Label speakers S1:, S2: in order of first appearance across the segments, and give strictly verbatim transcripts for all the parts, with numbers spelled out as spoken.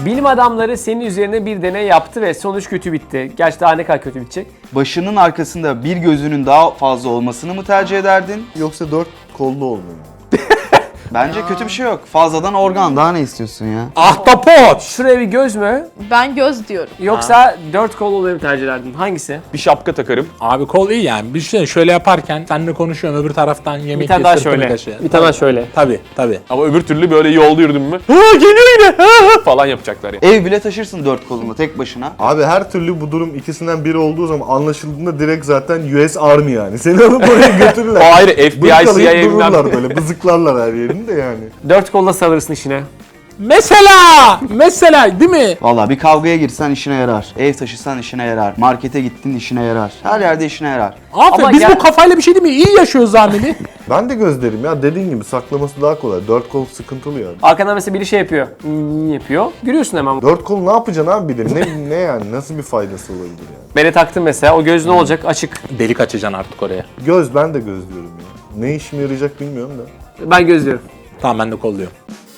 S1: Bilim adamları senin üzerine bir deney yaptı ve sonuç kötü bitti. Gerçi daha ne kadar kötü bitecek?
S2: Başının arkasında bir gözünün daha fazla olmasını mı tercih ederdin?
S3: Yoksa dört kollu olmayı mı?
S2: Bence kötü bir şey yok. Fazladan organ, daha ne istiyorsun ya?
S4: Ahtapot!
S1: Şuraya bir göz mü?
S5: Ben göz diyorum.
S1: Yoksa dört kol olayı mı tercih ederdin? Hangisi?
S6: Bir şapka takarım.
S4: Abi kol iyi yani. Bir şey şöyle yaparken seninle konuşuyorum, öbür taraftan yemek
S1: Bir tane daha
S4: sırtını
S1: şöyle.
S4: taşı.
S1: Bir tane daha şöyle.
S4: Tabii tabii.
S6: Ama öbür türlü böyle yolda yürüdüm mü? Ha geliyor yine ha, falan yapacaklar ya.
S2: Ev bile taşırsın dört kolunla tek başına.
S3: Abi her türlü bu durum ikisinden biri olduğu zaman anlaşıldığında direkt zaten U S Army yani. Seni alıp oraya götürürler.
S6: O ayrı, F B I,
S3: Bırkalayıp
S6: C I A'den.
S3: dururlar böyle, bızıklarlar her yerini de yani.
S1: Dört kolla salırsın işine.
S4: Mesela! Mesela değil mi?
S2: Vallahi bir kavgaya girsen işine yarar. Ev taşısan işine yarar. Markete gittin işine yarar. Her yerde işine yarar.
S4: Aferin.
S1: Ama
S4: Biz
S1: ya-
S4: bu kafayla bir şey değil mi? İyi yaşıyoruz Ameli.
S3: Ben de gözlerim ya, dediğin gibi saklaması daha kolay. Dört kol sıkıntılı yani.
S1: Arkadan mesela biri şey yapıyor. Hmm, yapıyor. Gülüyorsun hemen.
S3: Dört kol ne yapacaksın abi bir de? Ne, ne yani? Nasıl bir faydası olabilir yani?
S1: Beni taktın mesela. O göz ne olacak? Açık.
S4: Delik açacaksın artık oraya.
S3: Göz, ben de göz diyorum ya. Ne işime yarayacak bilmiyorum da.
S1: Ben göz diyorum.
S4: Tamam ben de kolluyorum.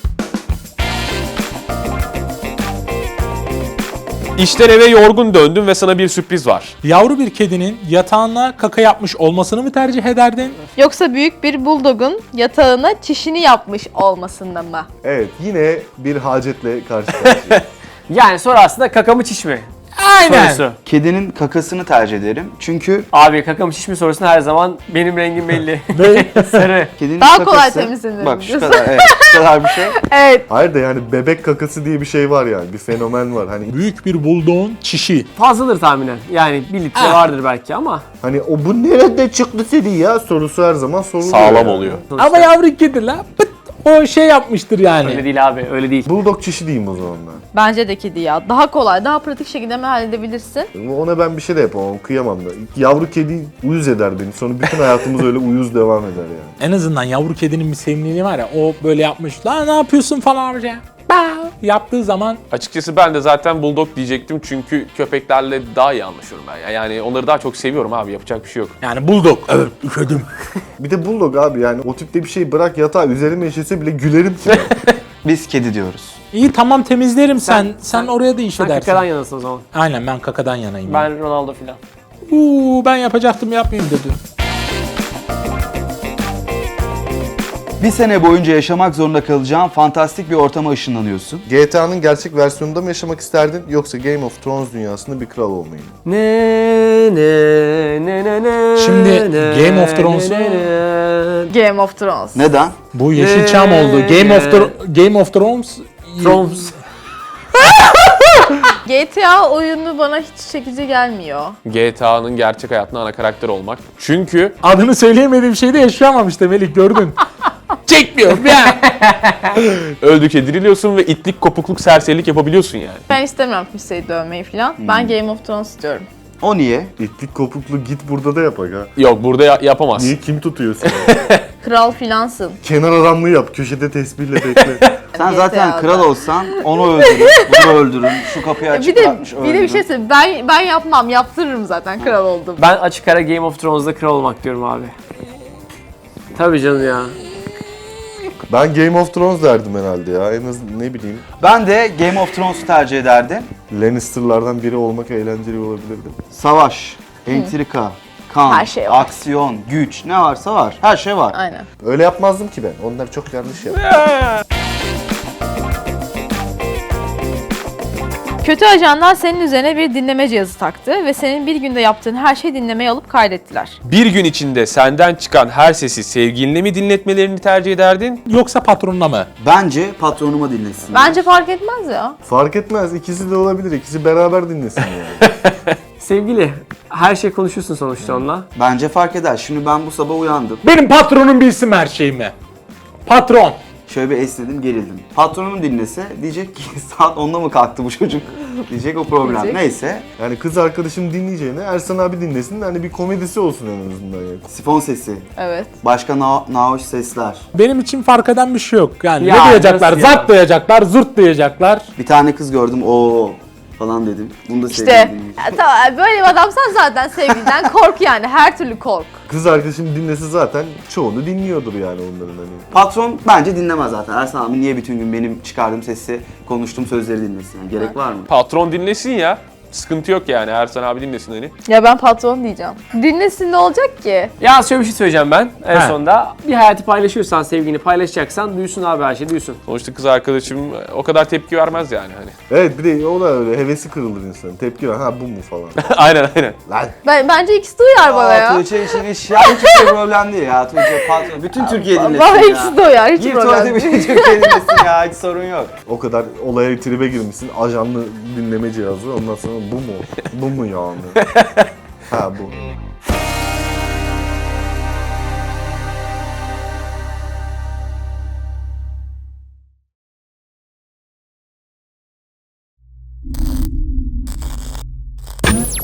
S6: İşten eve yorgun döndün ve sana bir sürpriz var.
S4: Yavru bir kedinin yatağına kaka yapmış olmasını mı tercih ederdin?
S5: Yoksa büyük bir buldogun yatağına çişini yapmış olmasında mı?
S3: Evet, yine bir hacetle karşı karşıyayız.
S1: Yani soru aslında kaka mı çiş mi?
S4: Aynen.
S1: Sorusu.
S2: Kedinin kakasını tercih ederim. Çünkü
S1: Abi kaka mı çiş mi sorusunda her zaman benim rengim belli.
S4: Ne?
S1: Sarı.
S2: kedinin
S5: Daha
S2: kakası...
S5: kolay temizlenir
S2: Bak şu
S5: diyorsun.
S2: kadar, evet, şu kadar bir şey.
S5: Evet.
S3: Hayır da yani bebek kakası diye bir şey var yani. Bir fenomen var. Hani
S4: Büyük bir bulduğun çişi.
S1: Fazladır tahminen. Yani bir litre
S4: Ah.
S1: vardır belki ama.
S3: hani o bu nerede çıktı dedi ya sorusu her zaman soruluyor.
S6: Sağlam
S3: yani.
S6: oluyor.
S1: Sonuçta
S4: Ama yavru kedi la pıt, o şey yapmıştır yani.
S1: Öyle değil abi, öyle değil.
S3: Bulldog çişi diyeyim o zaman ben.
S5: Bence de kedi ya. Daha kolay, daha pratik şekilde mi halledebilirsin?
S3: Ona ben bir şey de yapamam, kıyamam da. Yavru kedi uyuz eder beni. Sonra bütün hayatımız öyle uyuz devam eder yani.
S4: En azından yavru kedinin bir sevimliliği var ya, o böyle yapmış. La ne yapıyorsun falan amca. Ba! Yaptığı zaman
S6: Açıkçası ben de zaten bulldog diyecektim çünkü köpeklerle daha iyi anlaşıyorum ben. Yani onları daha çok seviyorum abi, yapacak bir şey yok.
S4: yani bulduk. Evet üşüdüm.
S3: Bir de Bulldog abi yani o tipte bir şey bırak yatağa üzerime işese bile gülerim ki.
S2: Biz kedi diyoruz.
S4: İyi tamam temizlerim sen. Sen,
S1: sen-
S4: oraya da iş
S1: Sen
S4: edersin.
S1: kakadan yanasın o zaman.
S4: Aynen ben kakadan yanayım.
S1: Ben Ronaldo filan.
S4: Uuu ben yapacaktım yapmayayım dedi.
S2: Bir sene boyunca yaşamak zorunda kalacağın fantastik bir ortama ışınlanıyorsun.
S3: G T A'nın gerçek versiyonunda mı yaşamak isterdin yoksa Game of Thrones dünyasında bir kral olmayı mı?
S1: Ne ne ne ne ne.
S4: Şimdi
S1: ne,
S4: Game of Thrones'u-
S1: ne, ne, ne.
S5: Game of Thrones.
S2: Neden?
S4: Bu Yeşilçam oldu. Game of Thro- Game of Thrones.
S1: Thrones.
S5: G T A oyunu bana hiç çekici gelmiyor.
S6: G T A'nın gerçek hayatında ana karakter olmak. Çünkü
S4: Adını söyleyemediğim şeyde yaşayamamış da Melik gördün. Çekmiyorum ya.
S6: öldükçe diriliyorsun ve itlik, kopukluk, serserilik yapabiliyorsun yani.
S5: Ben istemiyorum kimseyi dövmeyi falan. Ben Game of Thrones istiyorum.
S2: O niye?
S3: İtlik kopuklu git burada da yapak ha.
S6: Yok, burada ya- yapamazsın.
S3: Niye, kim tutuyor seni?
S5: Kral filansın.
S3: Kenar adamlığı yap, köşede tesbihle bekle.
S2: Sen
S5: G T
S2: zaten
S5: A'da.
S2: kral olsan onu öldürün, bunu öldürün, şu kapıyı açık
S5: Bir de
S2: bırakmış
S5: bir de
S2: öldürün.
S5: bir şey söyleyeyim. Ben ben yapmam. Yaptırırım zaten kral oldum.
S1: Ben açık ara Game of Thrones'da kral olmak diyorum abi. Tabii canım ya.
S3: Ben Game of Thrones derdim herhalde ya. En az ne bileyim.
S2: Ben de Game of Thrones'u tercih ederdim.
S3: Lannister'lardan biri olmak eğlenceli olabilirdi.
S2: Savaş, entrika, kan,
S5: Her şey var.
S2: aksiyon, güç ne varsa var. Her şey var.
S5: Aynen.
S3: Öyle yapmazdım ki ben. Onlar çok yanlış yaptı.
S5: Kötü ajanlar senin üzerine bir dinleme cihazı taktı ve senin bir günde yaptığın her şeyi dinlemeye alıp kaydettiler.
S6: Bir gün içinde senden çıkan her sesi sevgiline mi dinletmelerini tercih ederdin?
S4: Yoksa patronuna mı?
S2: Bence patronuma dinlesin.
S5: Bence fark etmez ya.
S3: Fark etmez. İkisi de olabilir. İkisi beraber dinlesin yani.
S1: Sevgili, her şey konuşuyorsun sonuçta onunla.
S2: Bence fark eder. Şimdi ben bu sabah uyandım.
S4: Benim patronum bilsin her şeyimi. Patron.
S2: Şöyle bir esnedim, gerildim. Patronum dinlese diyecek ki saat onda mı kalktı bu çocuk? Diyecek o problem.
S5: Diyecek.
S2: Neyse.
S3: Yani kız arkadaşım dinleyeceğine Ersan abi dinlesin. Hani bir komedisi olsun en azından yani.
S2: Sifon sesi,
S5: Evet.
S2: başka na nahoş sesler.
S4: Benim için fark eden bir şey yok. Yani
S1: Ya,
S4: ne diyecekler?
S1: nasıl ya?
S4: Zart diyecekler, zurt diyecekler.
S2: Bir tane kız gördüm. O falan dedim. Bunu da
S5: İşte
S2: sevgilim dinleyecek.
S5: ya, tamam, böyle bir adamsan zaten sevgiliden kork yani. Her türlü kork.
S3: Kız arkadaşım dinlese zaten çoğunu dinliyordur yani onların hani.
S2: Patron bence dinlemez zaten. Ersan abi niye bütün gün benim çıkardığım sesi, konuştuğum sözleri dinlesin? Yani gerek var mı?
S6: Patron dinlesin ya. Sıkıntı yok yani. Ersan abi dinlesin hani.
S5: Ya ben patron diyeceğim. Dinlesin ne olacak ki?
S1: Ya şöyle bir şey söyleyeceğim ben en
S4: He.
S1: sonunda. Bir hayatı paylaşıyorsan, sevgini paylaşacaksan duysun abi her şey, duysun.
S6: Sonuçta kız arkadaşım o kadar tepki vermez yani hani.
S3: Evet bir de o da öyle hevesi kırılır insanın. Tepki ver ha bu mu falan.
S6: aynen aynen.
S3: Lan
S5: Ben, bence ikisi de uyar bana
S2: Aa,
S5: ya.
S2: Tuğçe için iş ya. Hiçbir şey problem değil ya. Tuğçe patron. Bütün Türkiye dinlesin
S5: Bana
S2: ya.
S5: ikisi de uyar. Hiç
S2: Gir
S5: problem
S2: tuvalete
S5: değil.
S2: bütün Türkiye dinlesin ya. Hiç sorun yok.
S3: o kadar olaya tribe girmişsin. Ajanlı dinleme cihazı ondan sonra bu mu? Bu mu yani? Ha bu.